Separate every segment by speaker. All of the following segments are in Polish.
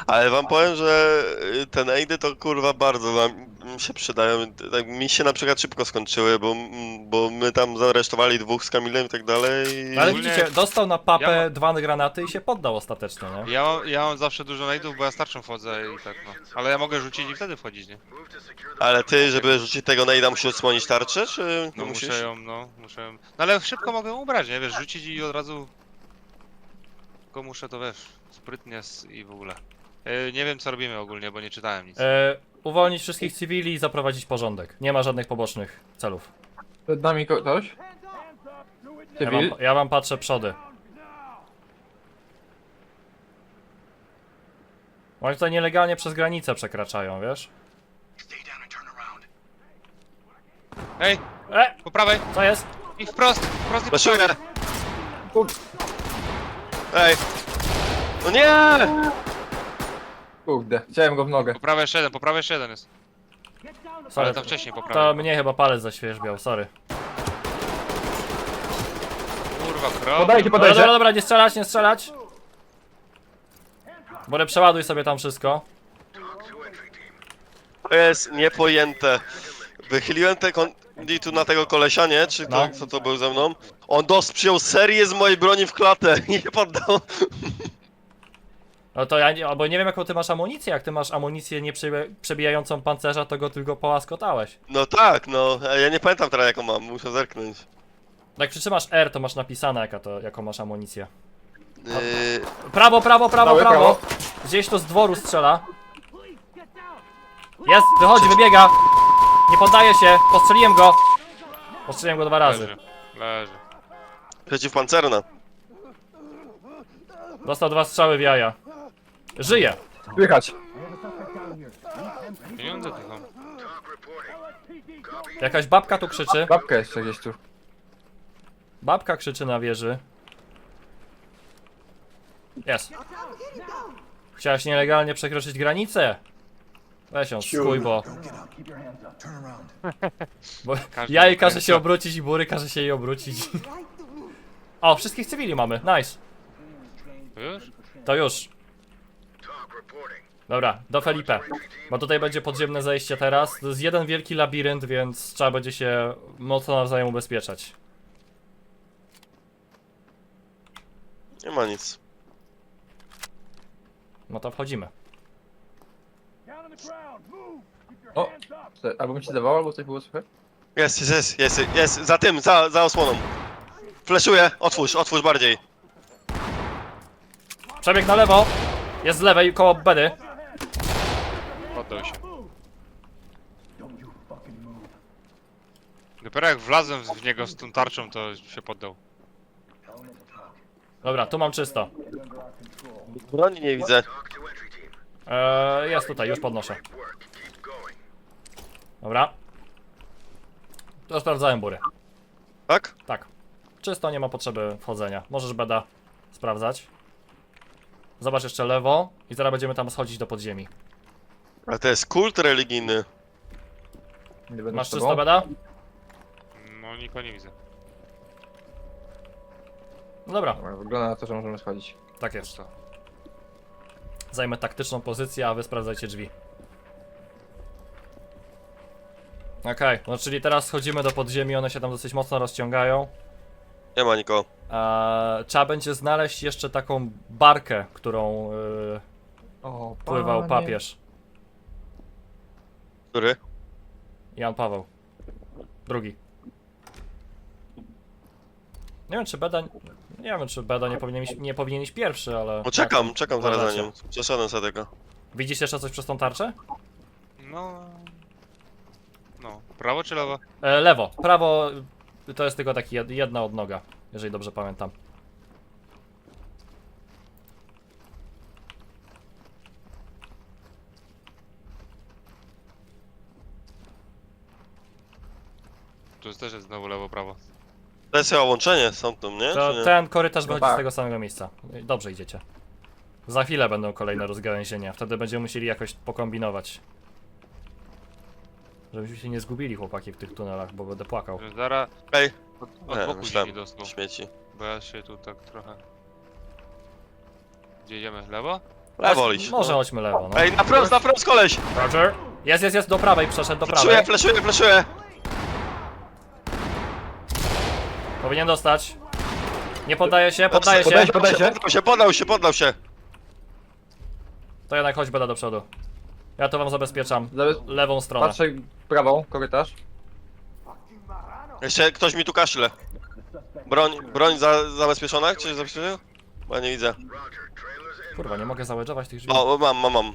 Speaker 1: Ale wam powiem, że te najdy to kurwa bardzo wam się przydają. Tak, mi się na przykład szybko skończyły, bo my tam zaresztowali dwóch z Kamilem i tak dalej.
Speaker 2: No ale
Speaker 3: Ogólnie-
Speaker 2: widzicie, dostał na papę
Speaker 3: Ja
Speaker 2: 2 granaty i się poddał ostatecznie, nie?
Speaker 3: Ja mam zawsze dużo najdów, bo ja starczą wchodzę i tak no. Ale ja mogę rzucić i wtedy wchodzić, nie?
Speaker 1: Ale ty, żeby rzucić tego najda, musisz odsłonić tarczę, czy
Speaker 3: No
Speaker 1: musisz?
Speaker 3: muszę ją. No ale szybko mogę ubrać, nie? Wiesz, rzucić i od razu... Tylko muszę to, wiesz, sprytnie i w ogóle. Nie wiem co robimy ogólnie, bo nie czytałem nic.
Speaker 2: Uwolnić wszystkich cywili i zaprowadzić porządek. Nie ma żadnych pobocznych celów.
Speaker 4: Przed nami ktoś? Cywil?
Speaker 2: Ja wam patrzę przody. Oni tutaj nielegalnie przez granicę przekraczają, wiesz?
Speaker 3: Ej,
Speaker 2: E!
Speaker 3: po prawej!
Speaker 2: Co jest?
Speaker 3: I wprost i po
Speaker 1: Flaszuję!
Speaker 3: prawej!
Speaker 1: Ej! No nie!
Speaker 4: Kurde, chciałem go w nogę.
Speaker 3: Po prawej jeszcze jeden jest. Ale
Speaker 2: Sorry,
Speaker 3: to wcześniej po
Speaker 2: to
Speaker 3: prawej.
Speaker 2: mnie chyba palec zaświeżbiał, sorry.
Speaker 3: Kurwa, krok.
Speaker 4: Podajcie,
Speaker 2: Dobra,
Speaker 4: podajcie.
Speaker 2: dobra, dobra, nie strzelać, nie strzelać. Borę, przeładuj sobie tam wszystko.
Speaker 1: To jest niepojęte. Wychyliłem te tu na tego kolesia, nie? Czy to,
Speaker 2: No.
Speaker 1: kto to był ze mną? On przyjął serię z mojej broni w klatę i nie poddał.
Speaker 2: No to ja nie, albo nie wiem jaką ty masz amunicję, jak ty masz amunicję nie przebijającą pancerza, to go tylko połaskotałeś.
Speaker 1: No tak, no. Ja nie pamiętam teraz jaką mam, muszę zerknąć.
Speaker 2: Jak przytrzymasz R, to masz napisane jaką masz amunicję.
Speaker 1: Yy,
Speaker 2: Prawo, prawo, prawo,
Speaker 4: Prawo,
Speaker 2: prawo!
Speaker 4: prawo.
Speaker 2: Gdzieś to z dworu strzela. Jest, wychodzi, wybiega! Nie poddaje się, postrzeliłem go! Postrzeliłem go 2 razy.
Speaker 3: Leży.
Speaker 1: przeciwpancerna.
Speaker 2: Dostał 2 strzały w jaja. Żyje!
Speaker 4: Słychać.
Speaker 3: Pieniądze tu są.
Speaker 2: Jakaś babka tu krzyczy.
Speaker 4: Babka jeszcze gdzieś tu.
Speaker 2: Babka krzyczy na wieży. Jest. Chciałaś nielegalnie przekroczyć granicę? Weź ją, skuj, bo
Speaker 3: Każdy
Speaker 2: ja jej
Speaker 3: ma
Speaker 2: każe
Speaker 3: kręca.
Speaker 2: się obrócić i Bury każe się jej obrócić. O, wszystkich cywili mamy, nice.
Speaker 3: To już?
Speaker 2: To już. Dobra, do Felipe. Bo tutaj będzie podziemne zejście teraz. To jest jeden wielki labirynt, więc trzeba będzie się mocno nawzajem ubezpieczać.
Speaker 1: Nie ma nic.
Speaker 2: No to wchodzimy.
Speaker 4: O, albo mi się dawało, albo coś było słychać.
Speaker 1: Jest, za tym, za osłoną. Fleszuję, otwórz bardziej.
Speaker 2: Przebieg na lewo. Jest z lewej, koło bedy.
Speaker 3: Poddał się. Dopiero jak wlazłem w niego z tą tarczą, to się poddał.
Speaker 2: Dobra, tu mam czysto.
Speaker 1: Broni nie widzę.
Speaker 2: Jest tutaj, już podnoszę. Dobra. To sprawdzałem Bury.
Speaker 1: Tak?
Speaker 2: Tak. Czysto, nie ma potrzeby wchodzenia. Możesz beda sprawdzać. Zobacz jeszcze lewo i zaraz będziemy tam schodzić do podziemi.
Speaker 1: Ale to jest kult religijny.
Speaker 4: Nie będę
Speaker 2: Masz
Speaker 4: z tobą.
Speaker 2: czysto beda?
Speaker 3: No nikogo nie widzę.
Speaker 2: No dobra,
Speaker 4: Dobra, wygląda na to, że możemy schodzić.
Speaker 2: tak jest.
Speaker 3: Pusto.
Speaker 2: Zajmę taktyczną pozycję, a wy sprawdzajcie drzwi. Okej, no czyli teraz schodzimy do podziemi, one się tam dosyć mocno rozciągają.
Speaker 1: Nie ma nikogo.
Speaker 2: Trzeba będzie znaleźć jeszcze taką barkę, którą
Speaker 4: O,
Speaker 2: pływał
Speaker 4: panie.
Speaker 2: papież.
Speaker 1: Który?
Speaker 2: Jan Paweł. II. Nie wiem czy Beda... Nie wiem czy Beda nie powinien iść pierwszy, ale...
Speaker 1: No czekam zaraz za
Speaker 2: Uważacie.
Speaker 1: nim. Przeszedłem sobie tego.
Speaker 2: Widzisz jeszcze coś przez tą tarczę?
Speaker 3: No... No, prawo czy lewo?
Speaker 2: Lewo. Prawo to jest tylko taki jedna odnoga, jeżeli dobrze pamiętam.
Speaker 3: Tu też jest znowu lewo, prawo.
Speaker 1: To jest chyba łączenie z tamtym, nie?
Speaker 2: To
Speaker 1: Czy nie?
Speaker 2: ten korytarz wychodzi
Speaker 4: tak.
Speaker 2: z tego samego miejsca. Dobrze idziecie. Za chwilę będą kolejne rozgałęzienia, wtedy będziemy musieli jakoś pokombinować. Żebyśmy się nie zgubili chłopaki w tych tunelach, bo będę płakał.
Speaker 3: Zaraz
Speaker 1: Ej,
Speaker 3: od
Speaker 1: nie,
Speaker 3: boku
Speaker 1: myślałem.
Speaker 3: się dostał.
Speaker 1: Śmieci.
Speaker 3: Bo ja się tu tak trochę... Gdzie idziemy? Lewo?
Speaker 1: Lewo iść.
Speaker 2: Może chodźmy lewo, no.
Speaker 1: Ej, na wprost koleś!
Speaker 2: Roger. Jest, do prawej, przeszedł do prawej.
Speaker 1: Fleszuję!
Speaker 2: Powinien dostać. Nie poddaje się, poddaje się.
Speaker 1: Poddał się!
Speaker 2: To jednak chodź Beda do przodu. Ja to wam zabezpieczam. Lewą stronę.
Speaker 4: Patrzę prawą, korytarz.
Speaker 1: Jeszcze ktoś mi tu kaszle. Broń zabezpieczona? Czy zabezpieczona? Bo ja nie widzę.
Speaker 2: Kurwa, nie mogę załedżować tych drzwi.
Speaker 1: O, mam.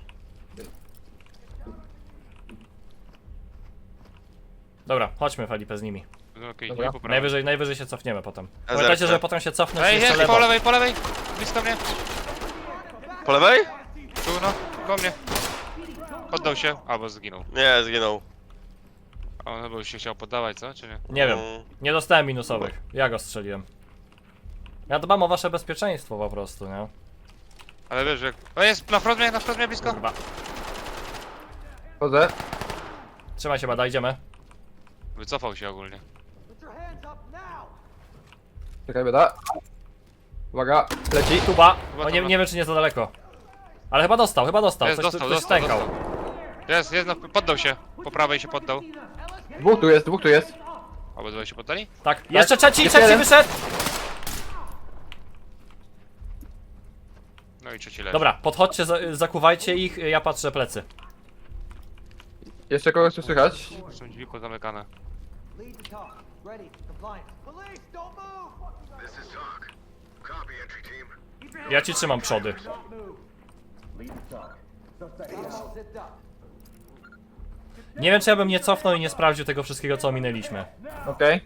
Speaker 2: Dobra, chodźmy Felipe z nimi.
Speaker 3: Okej,
Speaker 4: Dobra.
Speaker 3: nie poprawię.
Speaker 2: Najwyżej się cofniemy potem.
Speaker 1: Ja
Speaker 2: Pamiętajcie,
Speaker 1: zerknę.
Speaker 2: że potem się cofnąć
Speaker 3: Ej,
Speaker 2: jeszcze
Speaker 3: jest,
Speaker 2: lewo.
Speaker 3: po lewej! Blisko mnie.
Speaker 1: Po lewej?
Speaker 3: Tu, no, po mnie. Poddał się, albo zginął.
Speaker 1: Nie, zginął.
Speaker 3: A on chyba już się chciał poddawać, co? Czy nie?
Speaker 2: Nie wiem, nie dostałem minusowych. Ja go strzeliłem. Ja dbam o wasze bezpieczeństwo po prostu, nie?
Speaker 3: Ale wiesz, jak... O, jest na front mnie blisko.
Speaker 2: Kurwa.
Speaker 4: Chodzę.
Speaker 2: Trzymaj się, Bada, idziemy.
Speaker 3: Wycofał się ogólnie.
Speaker 4: Czekaj, bieda. Uwaga, leci.
Speaker 2: Tuba.
Speaker 3: Chyba
Speaker 2: O,
Speaker 3: tam
Speaker 2: nie wiem czy nie za daleko. Ale chyba dostał.
Speaker 3: Jest,
Speaker 2: Coś
Speaker 3: dostał.
Speaker 2: stękał.
Speaker 3: Jest, poddał się. Po prawej się poddał.
Speaker 4: Dwóch tu jest.
Speaker 3: Obydwaj się poddali?
Speaker 2: Tak, jeszcze trzeci
Speaker 4: Jeszcze jeden.
Speaker 2: wyszedł!
Speaker 3: No i trzeci leży.
Speaker 2: Dobra, podchodźcie, zakuwajcie ich, ja patrzę plecy.
Speaker 4: Jeszcze kogoś tu słychać.
Speaker 3: Są drzwi pozamykane.
Speaker 5: Lead to talk. Ready. Compliance. Police, don't move!
Speaker 6: This is Talk. Copy, entry team.
Speaker 2: Ja ci trzymam przody.
Speaker 5: Zipped up.
Speaker 2: Nie wiem czy ja bym nie cofnął i nie sprawdził tego wszystkiego co ominęliśmy.
Speaker 4: Okej.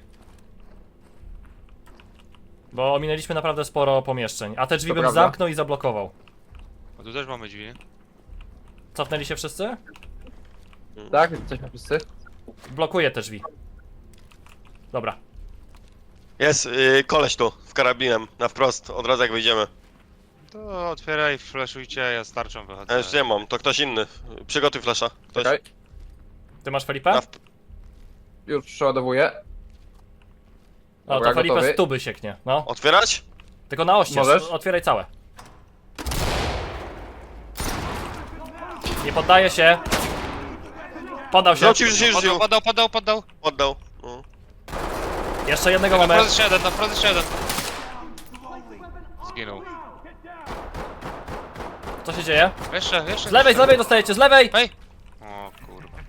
Speaker 2: Bo ominęliśmy naprawdę sporo pomieszczeń. A te drzwi
Speaker 4: To
Speaker 2: bym
Speaker 4: prawda.
Speaker 2: zamknął i zablokował.
Speaker 3: A tu też mamy drzwi, nie?
Speaker 2: Cofnęli się wszyscy?
Speaker 4: Tak, jesteśmy wszyscy.
Speaker 2: Blokuję te drzwi. Dobra.
Speaker 1: Jest koleś tu, z karabinem, na wprost, od razu jak wyjdziemy.
Speaker 3: To otwieraj, flashujcie, ja z tarczą wychodzę.
Speaker 1: Ja już nie mam, to ktoś inny. Przygotuj flasha. Ktoś.
Speaker 4: Czekaj.
Speaker 2: Ty masz Felipe?
Speaker 1: Na
Speaker 4: Już przeładowuję.
Speaker 2: No
Speaker 4: Dobra,
Speaker 2: to Felipe
Speaker 4: gotowy.
Speaker 2: z tuby sieknie. No.
Speaker 1: Otwierać?
Speaker 2: Tylko na oścież.
Speaker 4: Możesz?
Speaker 2: Otwieraj całe. Nie poddaje się. Podał się.
Speaker 1: No ci już żył.
Speaker 3: Poddał.
Speaker 1: Oddał. No.
Speaker 2: Jeszcze jednego
Speaker 3: Na
Speaker 2: mamy.
Speaker 3: wprost jeszcze jeden. Zginął.
Speaker 2: Co się dzieje?
Speaker 3: Jeszcze.
Speaker 2: Z lewej dostajecie, z lewej!
Speaker 3: Hej! O kurwa.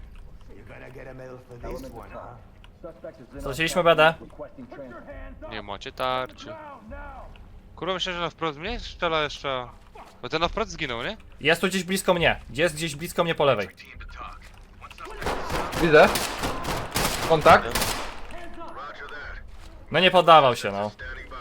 Speaker 2: Straciliśmy BD.
Speaker 3: Nie macie tarczy. Kurwa, myślę, że na wprost mnie strzela jeszcze. Bo ten na wprost zginął, nie?
Speaker 2: Jest tu gdzieś blisko mnie. Jest gdzieś blisko mnie po lewej.
Speaker 4: Widzę. Kontakt.
Speaker 2: No nie poddawał się, no.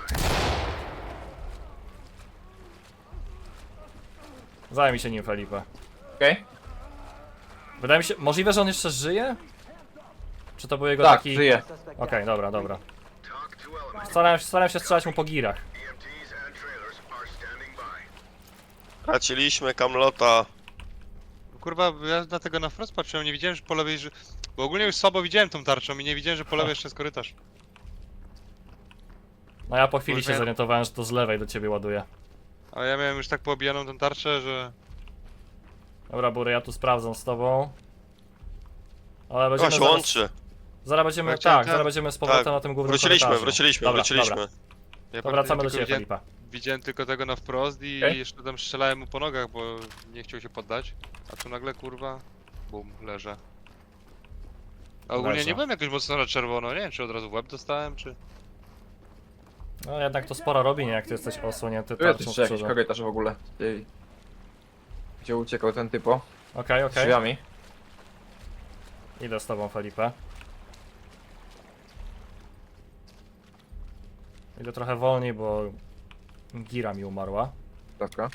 Speaker 2: Zajmij się nim, Felipe.
Speaker 4: Okej.
Speaker 2: Wydaje mi się, możliwe, że on jeszcze żyje? Czy to był jego
Speaker 4: Tak,
Speaker 2: taki...
Speaker 4: żyje.
Speaker 2: Okej, dobra.
Speaker 6: Talk to element.
Speaker 2: Starałem się strzelać mu po girach.
Speaker 6: EMTs and trailers are standing by.
Speaker 1: Traciliśmy Kamlota.
Speaker 3: Kurwa, ja na tego na wprost patrzyłem, nie widziałem, że po lewej, że... Bo ogólnie już słabo widziałem tą tarczą i nie widziałem, że po lewej jeszcze jest korytarz.
Speaker 2: No ja po chwili
Speaker 3: Może
Speaker 2: się
Speaker 3: ja-
Speaker 2: zorientowałem, że to z lewej do ciebie ładuje.
Speaker 3: Ale ja miałem już tak poobijaną tą tarczę, że...
Speaker 2: Dobra, Bury, ja tu sprawdzam z tobą. Ale
Speaker 1: O,
Speaker 2: będziemy
Speaker 1: się
Speaker 2: zaraz...
Speaker 1: łączy.
Speaker 2: Zaraz będziemy,
Speaker 3: Ja chciałem
Speaker 2: tak,
Speaker 3: ten-
Speaker 2: zaraz będziemy z powrotem
Speaker 1: tak.
Speaker 2: na tym głównym
Speaker 1: Wróciliśmy,
Speaker 2: korytarzu.
Speaker 1: wróciliśmy,
Speaker 2: Dobra,
Speaker 1: wróciliśmy.
Speaker 2: Dobra.
Speaker 3: Ja
Speaker 2: To wracamy do
Speaker 3: tylko
Speaker 2: ciebie,
Speaker 3: widziałem,
Speaker 2: Felipa.
Speaker 3: widziałem tylko tego na wprost i
Speaker 4: Okej.
Speaker 3: jeszcze tam strzelałem mu po nogach, bo nie chciał się poddać. A tu nagle, kurwa, bum, leżę. A ogólnie
Speaker 2: Leżę.
Speaker 3: nie byłem jakoś mocno na czerwono, nie wiem, czy od razu w łeb dostałem, czy...
Speaker 2: No jednak to sporo robi, nie? Jak ty jesteś osłonięty
Speaker 4: Tu jest
Speaker 2: tarczą z
Speaker 4: jeszcze jakiś
Speaker 2: przodu.
Speaker 4: korytarz w ogóle. Gdzie uciekał ten typo?
Speaker 2: Okej.
Speaker 4: Drzwiami.
Speaker 2: Idę z tobą, Felipe. Idę trochę wolniej, bo gira mi umarła.
Speaker 4: Dobra.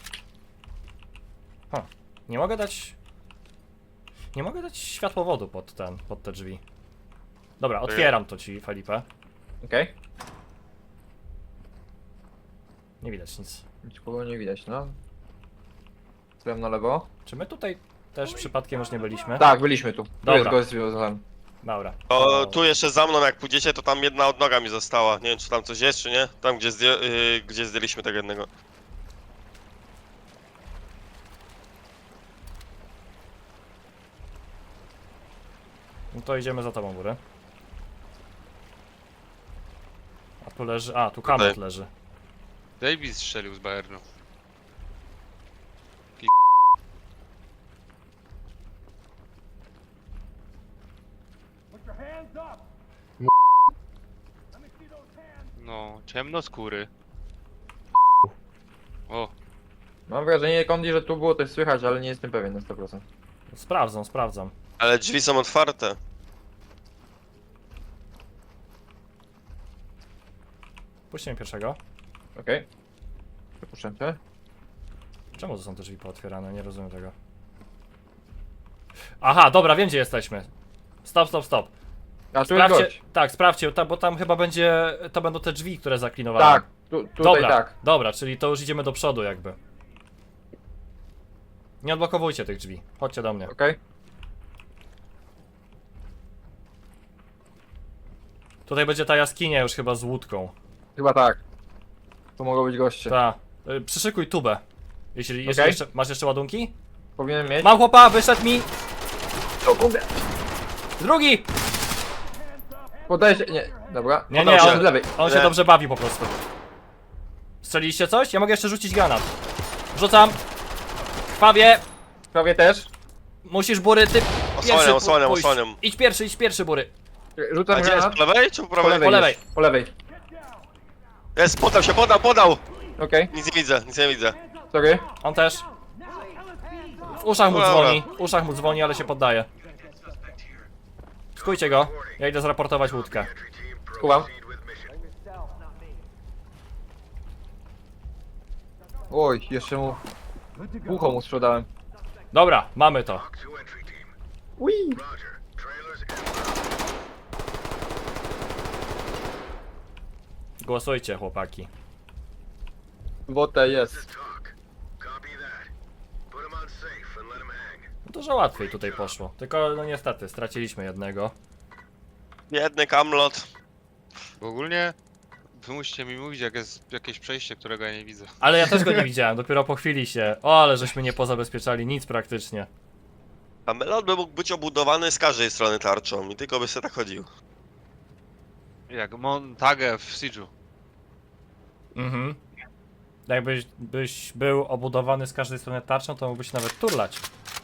Speaker 2: Nie mogę dać... Nie mogę dać światłowodu pod te drzwi. Dobra, otwieram to ci, Felipe.
Speaker 4: Okej.
Speaker 2: Nie widać nic.
Speaker 4: Nikogo nie widać, no. Byłem na lewo.
Speaker 2: Czy my tutaj też przypadkiem już nie byliśmy?
Speaker 4: Tak, byliśmy tu. Tu
Speaker 2: Dobra.
Speaker 4: jest gość związany.
Speaker 2: Dobra.
Speaker 1: O, tu jeszcze za mną jak pójdziecie, to tam jedna odnoga mi została. Nie wiem czy tam coś jest, czy nie. Tam gdzie zdjęliśmy tego jednego.
Speaker 2: No to idziemy za tobą, góry. A tu leży... A, tu kamot
Speaker 1: Tutaj.
Speaker 2: leży.
Speaker 3: Davis strzelił z Bayernu. No, ciemnoskóry. O,
Speaker 4: Mam wrażenie, Kondi, że tu było coś słychać, ale nie jestem pewien na 100%.
Speaker 2: Sprawdzam, sprawdzam.
Speaker 1: Ale drzwi są otwarte.
Speaker 2: Puśćmy pierwszego.
Speaker 4: Okej. Przepuszczam cię.
Speaker 2: Czemu to są te drzwi pootwierane? Nie rozumiem tego. Aha, dobra, wiem gdzie jesteśmy. Stop, stop, stop.
Speaker 4: A tu jest
Speaker 2: Sprawdźcie,
Speaker 4: gość.
Speaker 2: tak, sprawdźcie, bo tam chyba będzie, to będą te drzwi, które zaklinowałem.
Speaker 4: Tak, tutaj
Speaker 2: Dobra,
Speaker 4: tak.
Speaker 2: dobra, czyli to już idziemy do przodu jakby. Nie odblokowujcie tych drzwi, chodźcie do mnie.
Speaker 4: Okej.
Speaker 2: Tutaj będzie ta jaskinia już chyba z łódką.
Speaker 4: Chyba tak. Tu mogą być goście.
Speaker 2: Ta. Przyszykuj tubę. Jeśli
Speaker 4: Okej.
Speaker 2: jeszcze, masz jeszcze ładunki?
Speaker 4: Powinien mieć.
Speaker 2: Mam chłopa, wyszedł mi!
Speaker 4: O kurde.
Speaker 2: Drugi!
Speaker 4: Podaję się. Nie, dobra.
Speaker 2: Nie,
Speaker 1: Podał
Speaker 2: nie,
Speaker 1: się.
Speaker 2: on,
Speaker 4: Z lewej.
Speaker 2: on się
Speaker 1: Nie.
Speaker 2: dobrze bawi po prostu. Strzeliliście coś? Ja mogę jeszcze rzucić granat. Rzucam. Krwawie.
Speaker 4: Prawie też.
Speaker 2: Musisz, Bury, ty pierwszy
Speaker 1: Osłaniam, osłaniam,
Speaker 2: pójść.
Speaker 1: osłaniam.
Speaker 2: Idź pierwszy, Bury.
Speaker 1: A
Speaker 4: Rzucam
Speaker 1: gdzie jest?
Speaker 4: granat.
Speaker 1: Po lewej czy po
Speaker 4: Po
Speaker 1: prawej?
Speaker 4: lewej.
Speaker 2: Po lewej.
Speaker 4: już, Po lewej.
Speaker 1: Jest, podał się, podał!
Speaker 4: Okej,
Speaker 1: Nic nie widzę, nic nie widzę.
Speaker 4: sorry.
Speaker 2: On też. W uszach mu
Speaker 1: Dobra.
Speaker 2: dzwoni, w uszach mu dzwoni, ale się poddaje. Skujcie go. Ja idę zraportować łódkę.
Speaker 6: Entry team,
Speaker 4: Kumam.
Speaker 6: proceed with mission.
Speaker 5: Yourself, not me.
Speaker 4: Oj, jeszcze mu. Ucho mu sprzedałem.
Speaker 2: Dobra, mamy to.
Speaker 6: Talk to entry team.
Speaker 4: Ui.
Speaker 6: Roger. Trailers inbound.
Speaker 2: Głosujcie, chłopaki.
Speaker 4: Wota jest.
Speaker 6: Talk. Copy that. Put them on safe and let them hang.
Speaker 2: Dużo łatwiej tutaj poszło. Tylko, no niestety, straciliśmy jednego.
Speaker 1: Biedny kamlot.
Speaker 3: bo ogólnie wy musicie mi mówić, jak jest jakieś przejście, którego ja nie widzę.
Speaker 2: Ale ja też go nie widziałem, dopiero po chwili się. O, ale żeśmy nie pozabezpieczali nic praktycznie.
Speaker 1: Kamelot by mógł być obudowany z każdej strony tarczą i tylko by sobie tak chodził.
Speaker 3: Jak Montague w Siege'u.
Speaker 2: Mhm. Jakbyś był obudowany z każdej strony tarczą, to mógłbyś nawet turlać.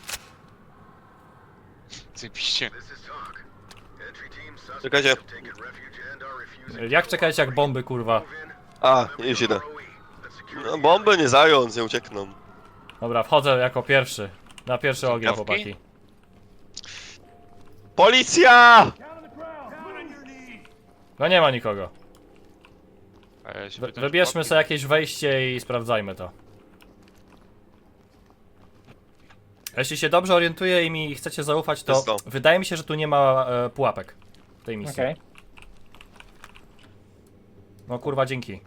Speaker 3: Cypiście.
Speaker 6: This is talk. Entry team suspects
Speaker 1: Czekajcie.
Speaker 6: have taken refuge and are refusing
Speaker 2: Jak czekajcie jak bomby, kurwa.
Speaker 6: move in.
Speaker 1: A, już idę.
Speaker 6: ROE. Let's secure
Speaker 1: No, bomby nie zając, nie uciekną.
Speaker 2: Dobra, wchodzę jako pierwszy. Na pierwszy ogień,
Speaker 3: Kawki?
Speaker 2: chłopaki.
Speaker 1: Policja!
Speaker 2: No nie ma nikogo.
Speaker 3: A ja się pytam, czy
Speaker 2: Wybierzmy
Speaker 3: papki-
Speaker 2: sobie jakieś wejście i sprawdzajmy to. Jeśli się dobrze orientuję i mi chcecie zaufać, to
Speaker 1: Jest to.
Speaker 2: wydaje mi się, że tu nie ma pułapek w tej misji.
Speaker 4: Okej.
Speaker 2: No kurwa, dzięki.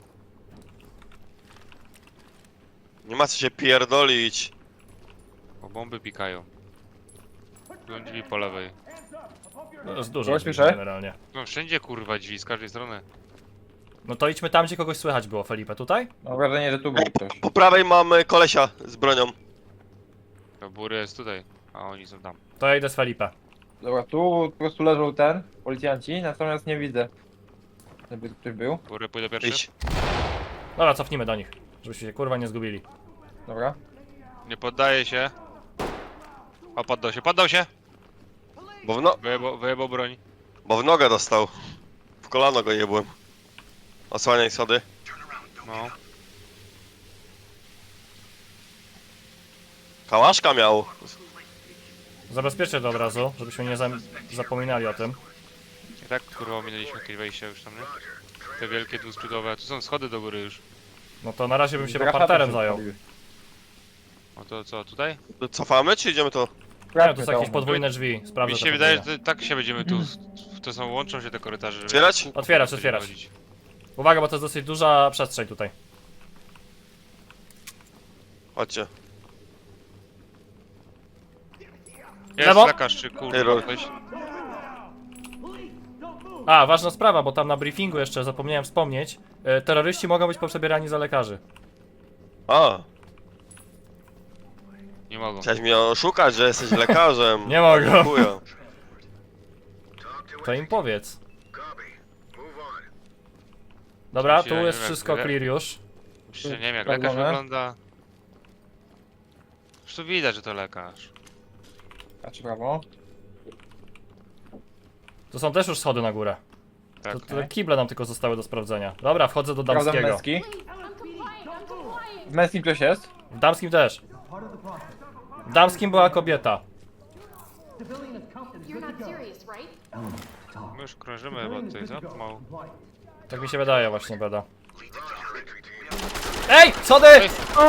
Speaker 1: Nie ma co się pierdolić.
Speaker 3: Bo bomby pikają. Byłem drzwi po lewej.
Speaker 2: To jest dużo
Speaker 4: Kogoś
Speaker 2: drzwi
Speaker 4: słyszę?
Speaker 2: generalnie.
Speaker 3: No wszędzie kurwa drzwi, z każdej strony.
Speaker 2: No to idźmy tam, gdzie kogoś słychać było, Felipe. Tutaj?
Speaker 4: Mam wrażenie, że tu był ktoś.
Speaker 1: Po prawej mamy kolesia z bronią.
Speaker 3: To Bury jest tutaj, a oni są tam.
Speaker 2: To ja idę z Felipe.
Speaker 4: Dobra, tu po prostu leżą policjanci, natomiast nie widzę. Żeby tu ktoś był.
Speaker 3: Bury pójdę pierwszy?
Speaker 1: Idź.
Speaker 2: Dobra, cofnijmy do nich, żebyśmy się kurwa nie zgubili.
Speaker 4: Dobra.
Speaker 3: Nie poddaje się. O, poddał się! Wyjebał broń.
Speaker 1: Bo w nogę dostał. W kolano go jebłem. Osłaniaj schody.
Speaker 3: No.
Speaker 1: Kałaszka miał.
Speaker 2: Zabezpieczę to od razu, żebyśmy nie zapominali o tym.
Speaker 3: I tak kurwa ominęliśmy jakieś wejście już tam, nie? Te wielkie dwuskrzydłowe. Tu są schody do góry już.
Speaker 2: No to na razie bym się
Speaker 4: Grafata
Speaker 2: parterem
Speaker 4: się
Speaker 2: zajął.
Speaker 4: odpaliły.
Speaker 3: No to co, tutaj?
Speaker 1: Cofamy czy idziemy to?
Speaker 2: Nie,
Speaker 4: Sprawdźmy
Speaker 2: to są jakieś
Speaker 4: to.
Speaker 2: podwójne drzwi. Sprawdzę
Speaker 3: Mi
Speaker 2: to
Speaker 3: się wydaje,
Speaker 2: podwójne.
Speaker 3: że tak się będziemy tu... To są, łączą się te korytarze. żeby-
Speaker 1: Otwierać?
Speaker 2: Otwierać,
Speaker 3: będziemy
Speaker 2: otwierać.
Speaker 3: chodzić.
Speaker 2: Uwaga, bo to jest dosyć duża przestrzeń tutaj.
Speaker 1: Chodźcie.
Speaker 3: Jest
Speaker 2: Lewo?
Speaker 3: lekarz czy kurwa
Speaker 1: Error.
Speaker 3: ktoś?
Speaker 2: A, ważna sprawa, bo tam na briefingu jeszcze zapomniałem wspomnieć. Terroryści mogą być poprzebierani za lekarzy.
Speaker 1: A,
Speaker 3: Nie mogą.
Speaker 1: chciałeś mnie oszukać, że jesteś lekarzem.
Speaker 2: Nie mogą.
Speaker 1: Dziękuję.
Speaker 2: To im powiedz.
Speaker 6: Copy. Move on.
Speaker 2: Dobra, tu
Speaker 3: Ja nie
Speaker 2: jest
Speaker 3: wiem,
Speaker 2: wszystko
Speaker 3: jak-
Speaker 2: clear już.
Speaker 3: Myślę, nie wiem jak
Speaker 4: Sprawdzone.
Speaker 3: lekarz wygląda. Już tu widać, że to lekarz.
Speaker 4: A czy prawo?
Speaker 2: To są też już schody na górę.
Speaker 3: Tak.
Speaker 2: To te kible nam tylko zostały do sprawdzenia. Dobra, wchodzę do
Speaker 4: Sprawdzam
Speaker 2: damskiego.
Speaker 4: męski.
Speaker 7: I'm compliant.
Speaker 4: W męskim ktoś jest?
Speaker 2: W damskim też. W damskim była kobieta.
Speaker 7: You're not serious, right?
Speaker 3: My już krążymy chyba tutaj, co? Pomału.
Speaker 2: Tak mi się wydaje właśnie, Beda.
Speaker 6: Roger, entry team.
Speaker 2: Ej! Schody!
Speaker 3: Ej.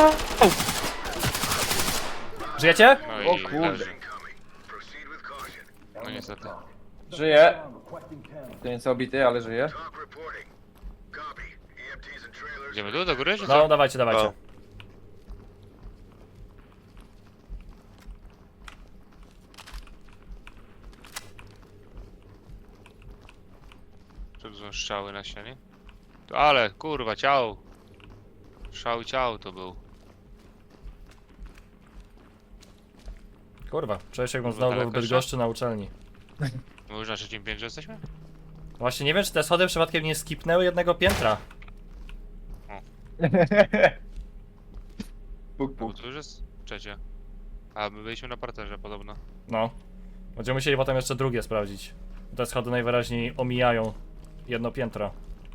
Speaker 2: Żyjecie?
Speaker 3: No
Speaker 4: O
Speaker 3: i
Speaker 4: kurde.
Speaker 3: leży.
Speaker 6: Incoming. Proceed with caution.
Speaker 3: No niestety.
Speaker 4: Żyje. To nie jest obity, ale żyje.
Speaker 6: Talk reporting. Copy. EMTs and trailers.
Speaker 3: Idziemy tu do góry, czy
Speaker 2: No,
Speaker 3: co?
Speaker 2: dawajcie, dawajcie.
Speaker 1: No.
Speaker 3: Czy tu są strzały na ścianie? Ale, kurwa, ciał. Szał ciał to był.
Speaker 2: Kurwa, czuję się jakbym
Speaker 3: Kurwa,
Speaker 2: znowu był w
Speaker 3: daleko
Speaker 2: Bydgoszczy na uczelni.
Speaker 3: My już na trzecim piętrze jesteśmy?
Speaker 2: Właśnie nie wiem, czy te schody przypadkiem nie skipnęły jednego piętra.
Speaker 4: Puk,
Speaker 3: Bo
Speaker 4: puk.
Speaker 3: tu już jest trzecie. A my byliśmy na parterze podobno.
Speaker 2: No. Będziemy musieli potem jeszcze drugie sprawdzić. Te schody najwyraźniej omijają jedno piętro.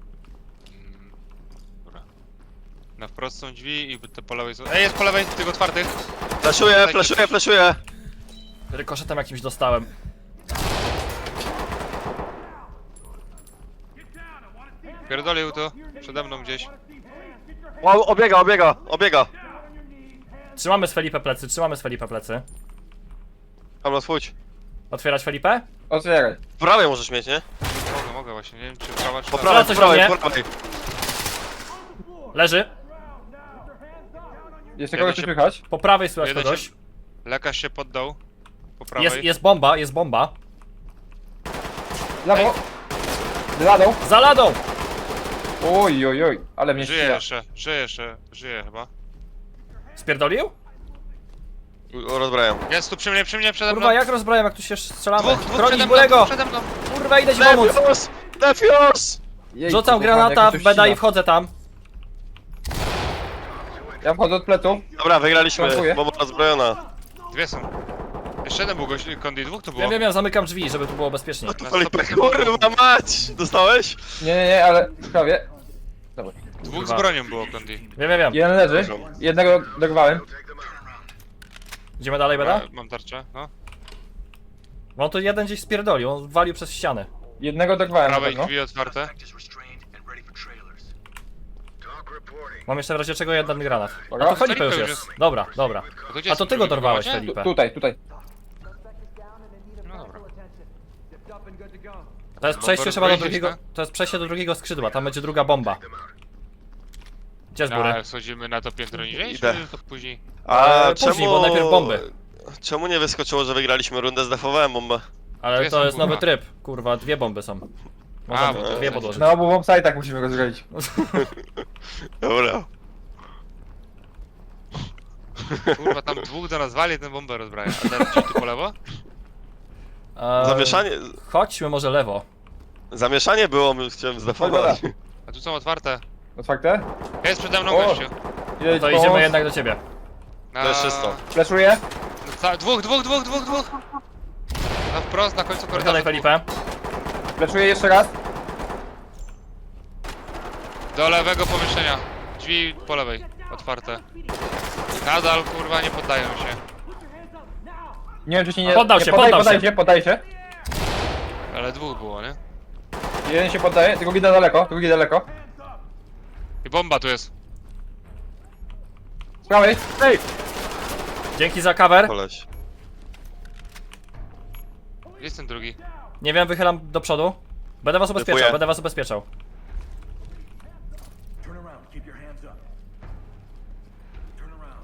Speaker 3: Dobra. Na wprost są drzwi i te po lewej są... Ej, jest po lewej, tych otwartych!
Speaker 1: Flashuję, flashuję, flashuję!
Speaker 2: Rykoszetem jakimś dostałem.
Speaker 3: Pierdolił to, przede mną gdzieś.
Speaker 1: Wow, obiega, obiega, obiega!
Speaker 2: Trzymamy z Felipe plecy, trzymamy z Felipe plecy.
Speaker 1: Hamlos, chodź.
Speaker 2: Otwierać Felipe?
Speaker 4: Otwieraj.
Speaker 1: W prawej możesz mieć, nie?
Speaker 3: Mogę właśnie, nie wiem czy prawa czy
Speaker 1: Po
Speaker 3: lewa.
Speaker 1: prawej,
Speaker 2: coś
Speaker 1: po prawej,
Speaker 2: do
Speaker 1: po
Speaker 2: mnie?
Speaker 1: prawej.
Speaker 2: Leży.
Speaker 4: Jeszcze
Speaker 3: Jeden
Speaker 4: kogoś
Speaker 3: się-
Speaker 4: słychać?
Speaker 2: Po prawej słychać
Speaker 3: Jeden
Speaker 2: kogoś.
Speaker 3: się- Lekarz się poddał. Po prawej.
Speaker 2: Jest bomba, jest bomba.
Speaker 4: Lewo. Ladą.
Speaker 2: Za ladą!
Speaker 4: Oj, oj, oj. Ale mnie
Speaker 3: Żyje
Speaker 4: ściga.
Speaker 3: jeszcze, żyje jeszcze, żyje chyba.
Speaker 2: Spierdolił?
Speaker 1: Rozbrajam.
Speaker 3: Jest tu przy mnie, przede mną.
Speaker 2: Kurwa, jak rozbrajam, jak tu się strzelamy?
Speaker 3: Dwóch
Speaker 2: Chronić
Speaker 3: przede mną,
Speaker 2: Bulego!
Speaker 3: dwóch przede mną.
Speaker 2: Kurwa, idę ci pomóc!
Speaker 1: Defios! Defios!
Speaker 4: Jej,
Speaker 2: Rzucam
Speaker 4: kochany,
Speaker 2: granata
Speaker 4: jak
Speaker 2: w
Speaker 4: mi to
Speaker 2: beda i
Speaker 4: ścina.
Speaker 2: wchodzę tam.
Speaker 4: Ja wchodzę od pleców.
Speaker 1: Dobra, wygraliśmy.
Speaker 4: Dziękuję.
Speaker 1: Bomba rozbrojona.
Speaker 3: Dwie są. Jeszcze jeden był gość, Kondi, dwóch to było.
Speaker 2: Wiem, zamykam drzwi, żeby tu było bezpiecznie.
Speaker 3: Na
Speaker 1: Felipe,
Speaker 3: 100%
Speaker 1: kurwa mać! Dostałeś?
Speaker 4: Nie, ale prawie. Dobra.
Speaker 3: Dwóch
Speaker 2: Kurwa.
Speaker 3: z bronią było Kondi.
Speaker 2: Wiem.
Speaker 4: Jeden leży. Jednego dorwałem.
Speaker 6: Take them out.
Speaker 2: Idziemy dalej, beda?
Speaker 3: Mam tarczę, no.
Speaker 2: Bo on tu jeden gdzieś spierdolił, on walił przez ścianę.
Speaker 4: Jednego dorwałem na
Speaker 3: Prawej
Speaker 4: pewno.
Speaker 3: drzwi otwarte.
Speaker 6: Is restrained and ready for trailers. Talk reporting.
Speaker 2: Mam jeszcze w razie czego jeden granat. A
Speaker 4: Dobra.
Speaker 2: to Felipe
Speaker 3: Felipe
Speaker 2: już
Speaker 3: już
Speaker 2: jest. Dobra.
Speaker 3: A to gdzie
Speaker 2: A to
Speaker 3: jest
Speaker 2: ty go
Speaker 3: drugi
Speaker 2: dorwałeś,
Speaker 3: wywołacie?
Speaker 2: Felipe.
Speaker 4: Tutaj.
Speaker 5: Suspect is down and in need of
Speaker 3: No
Speaker 5: medical
Speaker 3: dobra.
Speaker 5: attention. Zipped up and good to go.
Speaker 2: To jest
Speaker 3: Bomba
Speaker 2: przejście chyba do
Speaker 3: rozbroić
Speaker 2: drugiego.
Speaker 3: jest,
Speaker 2: To jest przejście do drugiego skrzydła, tam będzie druga bomba. Gdzie z góry?
Speaker 3: A schodzimy na to piętro niżej,
Speaker 1: Idę.
Speaker 3: czy to później?
Speaker 1: A
Speaker 2: Później,
Speaker 1: czemu...
Speaker 2: bo najpierw bomby.
Speaker 1: Czemu nie wyskoczyło, że wygraliśmy rundę? Zdefowałem bombę.
Speaker 2: Ale
Speaker 3: Dwie
Speaker 2: to
Speaker 3: są,
Speaker 2: jest nowy
Speaker 3: kurwa.
Speaker 2: tryb. Kurwa, dwie bomby są.
Speaker 3: A,
Speaker 2: Można
Speaker 3: bo to
Speaker 2: dwie
Speaker 3: jest-
Speaker 2: podłożyć.
Speaker 4: Na obu bombsite'ach musimy go zrobić.
Speaker 1: Dobra.
Speaker 3: Kurwa, tam dwóch do nas wali, ten bombę rozbraja. A teraz gdzieś tu po lewo?
Speaker 1: Zamieszanie...
Speaker 2: Chodźmy może lewo.
Speaker 1: Zamieszanie było, chciałem zdefować.
Speaker 3: A tu są otwarte.
Speaker 4: Otwarte?
Speaker 3: Jest przede mną
Speaker 4: O!
Speaker 3: gościu.
Speaker 4: Jedź,
Speaker 2: To idziemy jednak do ciebie.
Speaker 3: Na...
Speaker 1: To jest czysto.
Speaker 4: Fleszuję.
Speaker 3: Dwóch! Na wprost, na końcu
Speaker 2: Wychylaj
Speaker 3: korytarza.
Speaker 2: Felipe.
Speaker 4: Fleszuję jeszcze raz.
Speaker 3: Do lewego pomieszczenia. Drzwi po lewej, otwarte. Nadal, kurwa, nie poddają się.
Speaker 4: Nie wiem czy się nie...
Speaker 2: Poddał
Speaker 4: nie,
Speaker 2: się,
Speaker 4: poddaj się.
Speaker 3: Ale dwóch było, nie?
Speaker 4: Jeden się poddaje, drugi daleko.
Speaker 3: I bomba tu jest.
Speaker 4: Z prawej. Ej!
Speaker 2: Dzięki za cover.
Speaker 1: Koleś.
Speaker 3: Gdzie jest ten drugi?
Speaker 2: Nie wiem, wychylam do przodu. Będę was ubezpieczał,
Speaker 1: Typuję.
Speaker 2: będę was ubezpieczał.
Speaker 6: Turn around. Keep your hands up. Turn around.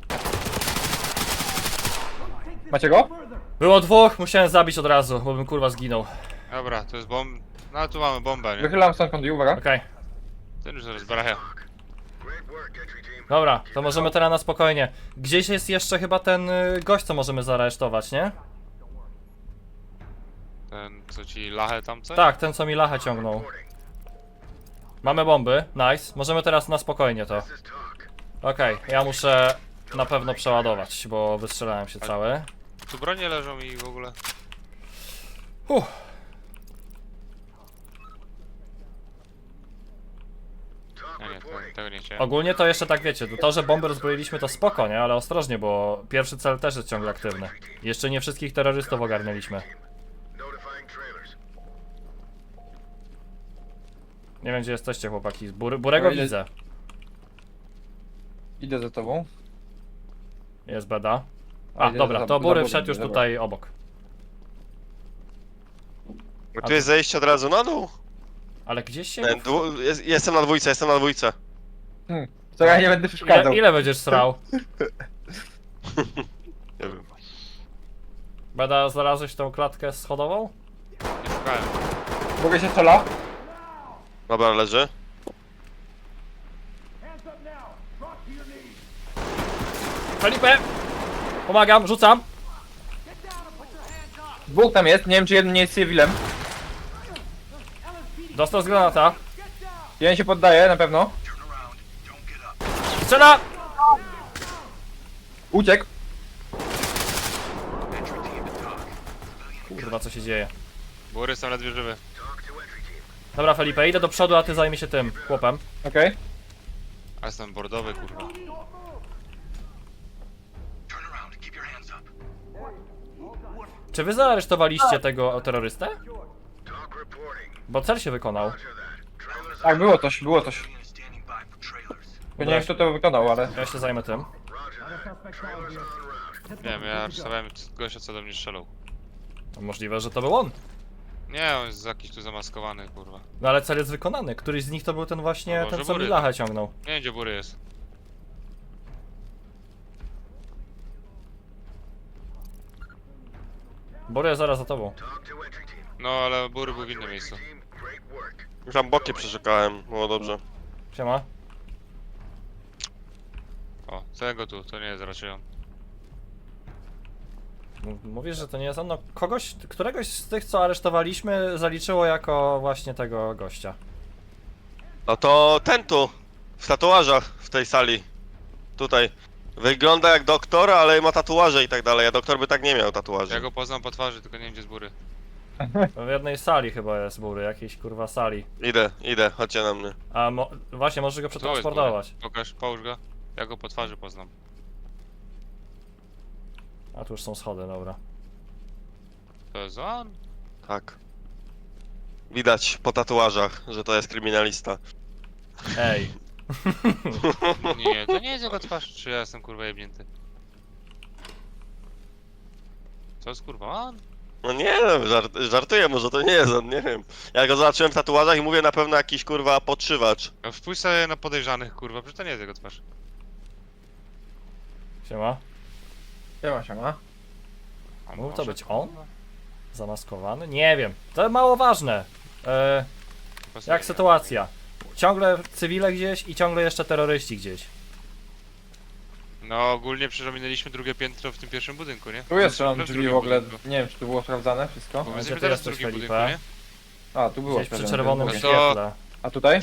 Speaker 4: Macie go?
Speaker 2: Było dwóch, musiałem zabić od razu, bo bym kurwa zginął.
Speaker 3: Dobra, to jest bomb... No tu mamy bombę, nie?
Speaker 4: Wychylam stąd kąt, uwaga.
Speaker 2: Okej.
Speaker 3: Ten już zaraz bracha.
Speaker 6: Great work, entry team.
Speaker 2: Dobra, to możemy teraz na spokojnie. Gdzieś jest jeszcze chyba ten gość, co możemy zaaresztować, nie?
Speaker 3: Ten, co ci lachę tam coś?
Speaker 2: Tak, ten co mi lachę ciągnął. Mamy bomby, nice. Możemy teraz na spokojnie to.
Speaker 6: This is talk.
Speaker 2: Okej, ja muszę na pewno przeładować, bo wystrzelałem się cały.
Speaker 3: Tu bronie leżą i w ogóle.
Speaker 6: Talk
Speaker 3: Nie,
Speaker 6: reporting.
Speaker 3: tego nie chciałem.
Speaker 2: Ogólnie to jeszcze tak wiecie, to, że bomby rozbroiliśmy to spoko, nie? Ale ostrożnie, bo pierwszy cel też jest ciągle aktywny. Jeszcze nie wszystkich terrorystów ogarnęliśmy.
Speaker 6: Notifying trailers.
Speaker 2: Nie wiem gdzie jesteście chłopaki, Burego
Speaker 4: Ile-
Speaker 2: widzę.
Speaker 4: Idę za tobą.
Speaker 2: Jest beda.
Speaker 4: A,
Speaker 2: A,
Speaker 4: idę
Speaker 2: dobra,
Speaker 4: za-
Speaker 2: to
Speaker 4: za
Speaker 2: Bury
Speaker 4: Burym,
Speaker 2: wszedł już
Speaker 4: dobra.
Speaker 2: tutaj obok.
Speaker 1: Bo tu jest zejście od razu na dół.
Speaker 2: Ale gdzieś się...
Speaker 1: Jestem na dwójce, jestem na dwójce.
Speaker 4: To ja nie będę przeszkadzał.
Speaker 2: Ile będziesz srał?
Speaker 1: Nie wiem.
Speaker 2: Beda, znalazłeś tą klatkę schodową?
Speaker 3: Nie szukałem.
Speaker 4: Mogę się strzela?
Speaker 1: Dobra, leży.
Speaker 2: Felipe! Pomagam, rzucam!
Speaker 4: Dwóch tam jest, nie wiem czy jeden nie jest cywilem.
Speaker 2: Dostał z granata.
Speaker 4: Jeden się poddaje, na pewno.
Speaker 2: Strzela!
Speaker 4: Uciekł.
Speaker 2: Kurwa, co się dzieje?
Speaker 3: Bury są ledwie żywy.
Speaker 6: Talk to entry team.
Speaker 2: Dobra, Felipe, idę do przodu, a ty zajmij się tym chłopem.
Speaker 4: Okej.
Speaker 3: A jestem bordowy, kurwa.
Speaker 6: Turn around. Keep your hands up.
Speaker 2: Czy wy zaaresztowaliście tego terrorystę?
Speaker 6: Talk reporting.
Speaker 2: Bo cel się wykonał.
Speaker 6: Roger that. Trailers
Speaker 4: Tak, było coś, było coś.
Speaker 6: standing by for trailers.
Speaker 4: Ja nie wiem kto to wykonał, ale...
Speaker 2: Ja się zajmę tym.
Speaker 6: Roger that. Trailers en route.
Speaker 3: Nie wiem, ja aresztowałem gościa, co do mnie strzelał.
Speaker 2: Możliwe, że to był on.
Speaker 3: Nie, on jest jakiś tu zamaskowany, kurwa.
Speaker 2: No ale cel jest wykonany. Któryś z nich to był ten właśnie,
Speaker 3: No może
Speaker 2: ten co mi
Speaker 3: Bury.
Speaker 2: lachę ciągnął.
Speaker 3: Nie wiem, gdzie Bury jest.
Speaker 2: Bury zaraz za tobą.
Speaker 6: Talk to entry team.
Speaker 3: No, ale Bury był w innym miejscu.
Speaker 6: Team, great work.
Speaker 1: Już tam boki przeszukałem, było dobrze.
Speaker 2: Siema.
Speaker 3: O, tego tu, to nie jest raczej on.
Speaker 2: Mówisz, że to nie jest on. No któregoś z tych co aresztowaliśmy zaliczyło jako właśnie tego gościa.
Speaker 1: No to ten tu, w tatuażach w tej sali. Tutaj. Wygląda jak doktor, ale ma tatuaże i tak dalej, a doktor by tak nie miał tatuaży.
Speaker 3: Ja go poznam po twarzy, tylko nie wiem, gdzie jest Bury.
Speaker 2: W jednej sali chyba jest Bury, jakiejś kurwa sali.
Speaker 1: Idę, chodźcie na mnie.
Speaker 2: A właśnie możesz go
Speaker 3: Tu jest
Speaker 2: przetransportować.
Speaker 3: Bury. Pokaż, połóż go. Ja go po twarzy poznam.
Speaker 2: A tu już są schody, dobra.
Speaker 3: To jest on?
Speaker 1: Tak. Widać po tatuażach, że to jest kryminalista.
Speaker 2: Ej.
Speaker 3: Nie, to nie jest jego twarz, czy ja jestem kurwa jebnięty? Co jest kurwa on?
Speaker 1: No nie wiem, żartuję, może to nie jest on, nie wiem. Ja go zobaczyłem w tatuażach i mówię na pewno jakiś kurwa podszywacz.
Speaker 3: No wpójrz sobie na podejrzanych kurwa, przecież to nie jest jego twarz.
Speaker 2: Siema.
Speaker 4: Siema.
Speaker 3: A
Speaker 2: Mógł to
Speaker 3: może,
Speaker 2: być on?
Speaker 3: kurwa?
Speaker 2: Zamaskowany? Nie wiem. To mało ważne.
Speaker 3: Pasuje,
Speaker 2: Jak
Speaker 3: nie?
Speaker 2: sytuacja? Ciągle cywile gdzieś i ciągle jeszcze terroryści gdzieś.
Speaker 3: No ogólnie przecież ominęliśmy drugie piętro w tym pierwszym budynku, nie?
Speaker 4: Tu jest strzelam
Speaker 3: W
Speaker 4: drzwi
Speaker 3: drugim
Speaker 4: w ogóle.
Speaker 3: budynku.
Speaker 4: Nie wiem czy tu było sprawdzane wszystko.
Speaker 3: Bo my
Speaker 2: Gdzie
Speaker 3: jesteśmy
Speaker 2: ty
Speaker 3: teraz w
Speaker 2: jesteś,
Speaker 3: drugim
Speaker 2: Felipe?
Speaker 3: budynku, nie?
Speaker 4: A, tu było
Speaker 2: Gdzieś przy
Speaker 4: sprawdzane.
Speaker 2: czerwonym
Speaker 3: No to-
Speaker 2: świetle.
Speaker 4: A tutaj?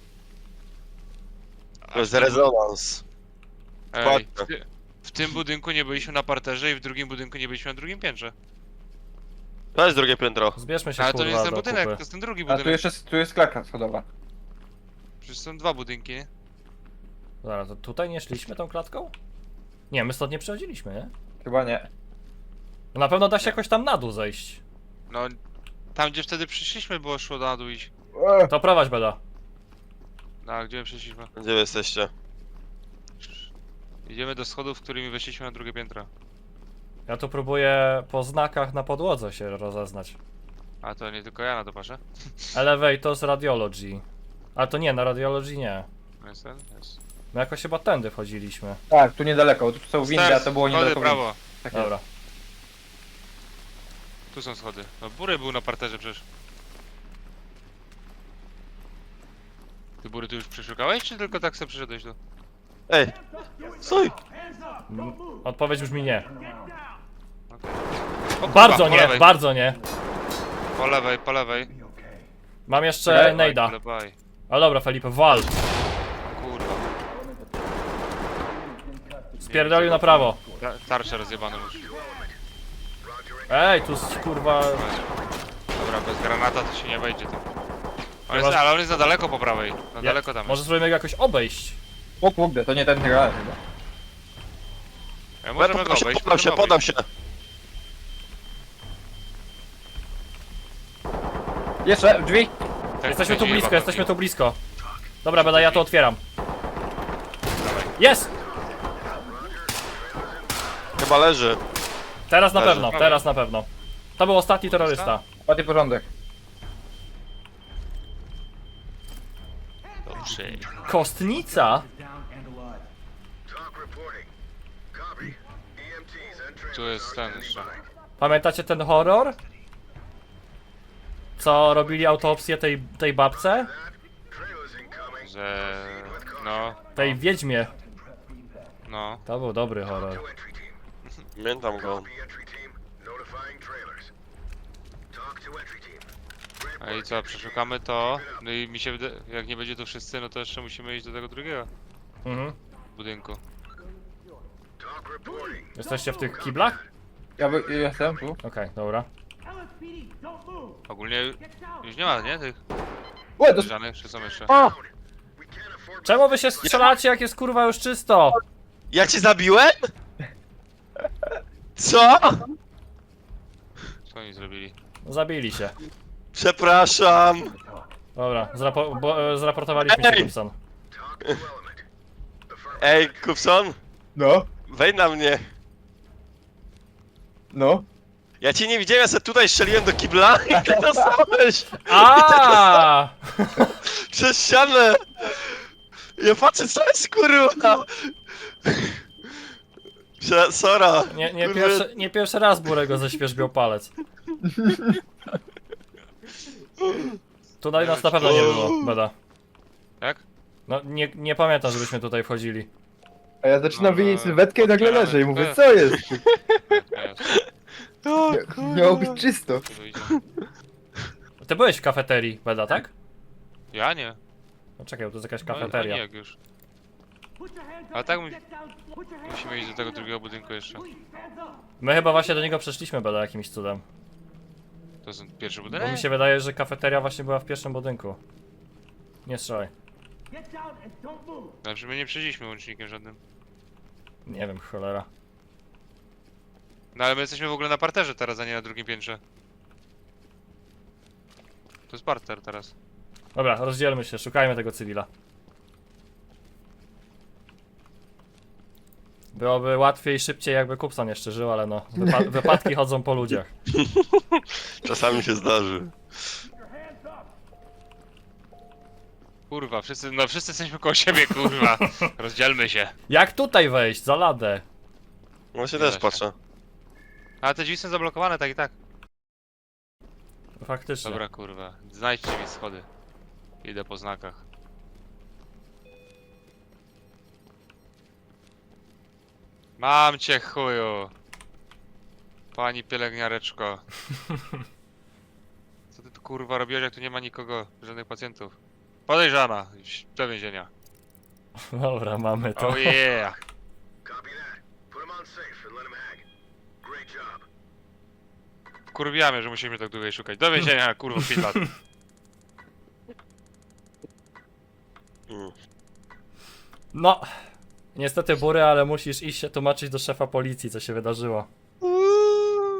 Speaker 1: To jest rezonans.
Speaker 3: Ej,
Speaker 1: Dokładnie.
Speaker 3: w tym budynku nie byliśmy na parterze i w drugim budynku nie byliśmy na drugim piętrze.
Speaker 1: To jest drugie piętro.
Speaker 2: Zbierzmy się
Speaker 3: Ale to nie jest
Speaker 2: kurwa
Speaker 3: ten
Speaker 2: do
Speaker 3: budynek, to
Speaker 2: kupy.
Speaker 3: jest ten drugi
Speaker 4: A
Speaker 3: budynek.
Speaker 4: tu jest klatka schodowa.
Speaker 3: Przecież są dwa budynki, nie?
Speaker 2: Zaraz, to tutaj nie szliśmy tą klatką? Nie, my stąd nie przechodziliśmy, nie?
Speaker 4: Chyba nie.
Speaker 2: No na pewno da się jakoś tam na dół zejść.
Speaker 3: No, tam gdzie wtedy przyszliśmy było szło na dół iść.
Speaker 2: To prowadź Beda.
Speaker 3: No, a gdzie my przyszliśmy?
Speaker 1: Gdzie wy jesteście?
Speaker 3: Idziemy do schodów, którymi weszliśmy na drugie piętro.
Speaker 2: Ja tu próbuję po znakach na podłodze się rozeznać.
Speaker 3: A to nie tylko ja na to patrzę.
Speaker 2: Elevators Radiology. Ale to nie, na Radiology nie.
Speaker 3: Jest ten? Jest.
Speaker 2: My jakoś chyba tędy wchodziliśmy.
Speaker 4: Tak, tu niedaleko. Tu są windy, a
Speaker 3: Stairs,
Speaker 4: to było
Speaker 3: schody,
Speaker 4: niedaleko.
Speaker 3: prawo.
Speaker 4: Tak jest.
Speaker 2: Dobra.
Speaker 3: Tu są schody. No Bury był na parterze przecież. Ty Bury tu już przeszukałeś, czy tylko tak sobie przyszedłeś tu?
Speaker 1: Ej! Stój!
Speaker 2: Odpowiedź brzmi nie.
Speaker 3: O, kurwa,
Speaker 2: Bardzo
Speaker 3: po
Speaker 2: nie,
Speaker 3: lewej.
Speaker 2: bardzo nie.
Speaker 3: Po lewej, po lewej.
Speaker 2: Mam jeszcze
Speaker 4: Okej.
Speaker 2: nejda.
Speaker 3: Bye.
Speaker 2: Ale dobra, Felipe, wal.
Speaker 3: Kurwa.
Speaker 2: Spierdolił na prawo.
Speaker 3: Tarcze rozjebane już.
Speaker 2: Ej, tu kurwa...
Speaker 3: Dobra, bez granata to się nie wejdzie tam.
Speaker 2: Chyba, że-
Speaker 3: Ale on jest za daleko po prawej. Na daleko tam
Speaker 2: Może
Speaker 3: jest.
Speaker 2: spróbujemy go jakoś obejść.
Speaker 4: O kurde, to nie ten gra chyba.
Speaker 3: Możemy go obejść, możemy
Speaker 1: Podam
Speaker 3: obejść.
Speaker 1: się.
Speaker 4: Jeszcze, drzwi!
Speaker 3: Tak,
Speaker 2: Jesteśmy tu
Speaker 3: będzie
Speaker 2: blisko,
Speaker 3: jeba
Speaker 2: jesteśmy tu
Speaker 3: pewnie.
Speaker 2: blisko. Dobra, Beda, ja to otwieram. Jest!
Speaker 1: Chyba leży.
Speaker 2: Teraz na
Speaker 1: Leży.
Speaker 2: pewno, teraz na pewno. To był ostatni terrorysta.
Speaker 4: Ładny porządek.
Speaker 3: Dobrze.
Speaker 2: Kostnica?
Speaker 6: Talk reporting. Copy. EMTs and
Speaker 3: Tu jest ten jeszcze.
Speaker 2: Pamiętacie ten horror? Co robili autopsję tej babce?
Speaker 6: trailers incoming.
Speaker 3: Że... No,
Speaker 2: Tej wiedźmie.
Speaker 3: no.
Speaker 2: To był dobry horror.
Speaker 6: To entry team.
Speaker 1: Pamiętam go.
Speaker 6: Copy entry team. Notifying trailers. Talk to entry team.
Speaker 3: A i co, przeszukamy to. No i mi się wydaje, jak nie będzie tu wszyscy, no to jeszcze musimy iść do tego drugiego
Speaker 2: Mhm.
Speaker 3: budynku.
Speaker 6: Talk reporting.
Speaker 2: Jesteście w tych kiblach?
Speaker 4: Ja jestem tu.
Speaker 2: Okej, dobra.
Speaker 5: LSPD, don't move.
Speaker 3: Ogólnie
Speaker 5: Get down.
Speaker 3: już nie ma, nie? Tych
Speaker 4: Ło, to
Speaker 3: żadnych, czy są jeszcze?
Speaker 6: We can't afford
Speaker 2: Czemu wy się strzelacie, jak jest kurwa już czysto?
Speaker 1: Ja cię zabiłem? Co?
Speaker 3: Co oni zrobili?
Speaker 2: Zabili się.
Speaker 1: Przepraszam.
Speaker 2: Dobra, zraportowaliśmy się,
Speaker 1: Ej!
Speaker 2: Gibson.
Speaker 6: talk to element. Affirmative.
Speaker 1: Ej, Kupson,
Speaker 4: No,
Speaker 1: wejdź na mnie.
Speaker 4: no.
Speaker 1: Ja cię nie widziałem, ja sobie tutaj strzeliłem do kibla i ty dostałeś
Speaker 2: A!
Speaker 1: przez ścianę. Ja patrzę, co jest kurwa. Sora.
Speaker 2: Nie pierwszy raz Burego ześwierzbiał palec. Tutaj nas na pewno nie było, Beda.
Speaker 3: Jak?
Speaker 2: No nie pamiętam, żebyśmy tutaj wchodzili.
Speaker 4: A ja zaczynam
Speaker 3: No,
Speaker 4: widzieć sylwetkę i nagle
Speaker 3: otwieramy
Speaker 4: leżę i mówię,
Speaker 3: drzwi.
Speaker 4: co jest?
Speaker 3: Jest,
Speaker 4: Miało być czysto.
Speaker 3: tu idzie.
Speaker 2: Ty byłeś w kafeterii, Beda, tak?
Speaker 3: Ja nie.
Speaker 2: No czekaj, bo to jest jakaś
Speaker 3: No,
Speaker 2: kafeteria.
Speaker 3: nie jak już.
Speaker 5: Put your hands
Speaker 3: Ale
Speaker 5: up
Speaker 3: tak
Speaker 5: and
Speaker 3: mu-
Speaker 5: get down. Put your hands
Speaker 3: Musimy iść do tego drugiego budynku jeszcze.
Speaker 5: Please, hands up.
Speaker 2: My chyba właśnie do niego przeszliśmy, Beda, jakimś cudem.
Speaker 3: To jest pierwszy
Speaker 2: Bo
Speaker 3: budynek?
Speaker 2: mi się wydaje, że kafeteria właśnie była w pierwszym budynku. Nie strzelaj.
Speaker 5: Get down and don't move.
Speaker 3: Znaczy my nie przejdziemy łącznikiem żadnym.
Speaker 2: Nie wiem, cholera.
Speaker 3: No ale my jesteśmy w ogóle na parterze teraz, a nie na drugim piętrze. To jest parter teraz.
Speaker 2: Dobra, rozdzielmy się, szukajmy tego cywila. Byłoby łatwiej i szybciej, jakby Kupson jeszcze żył, ale no, wypadki chodzą po ludziach.
Speaker 1: Czasami się zdarzy.
Speaker 3: Kurwa, wszyscy jesteśmy koło siebie, kurwa. Rozdzielmy się.
Speaker 2: Jak tutaj wejść? Za ladę.
Speaker 1: Właśnie
Speaker 3: Nie da
Speaker 1: też
Speaker 3: się.
Speaker 1: patrzę.
Speaker 3: Ale te drzwi są zablokowane tak i tak.
Speaker 2: Faktycznie.
Speaker 3: Dobra, kurwa. Znajdźcie mi schody. Idę po znakach. Mam cię, chuju. Pani pielęgniareczko. Co ty tu kurwa robiłeś, jak tu nie ma nikogo, żadnych pacjentów? Podejrzana. Idź do więzienia.
Speaker 2: Dobra, mamy to.
Speaker 3: Oh yeah.
Speaker 6: Copy that. Put them on safe and let them hang. Great job.
Speaker 3: Kurwiamy, że musimy tak długo szukać. Do więzienia, kurwa, 5 lat.
Speaker 1: Mm.
Speaker 2: No. Niestety Bury, ale musisz iść się tłumaczyć do szefa policji, co się wydarzyło.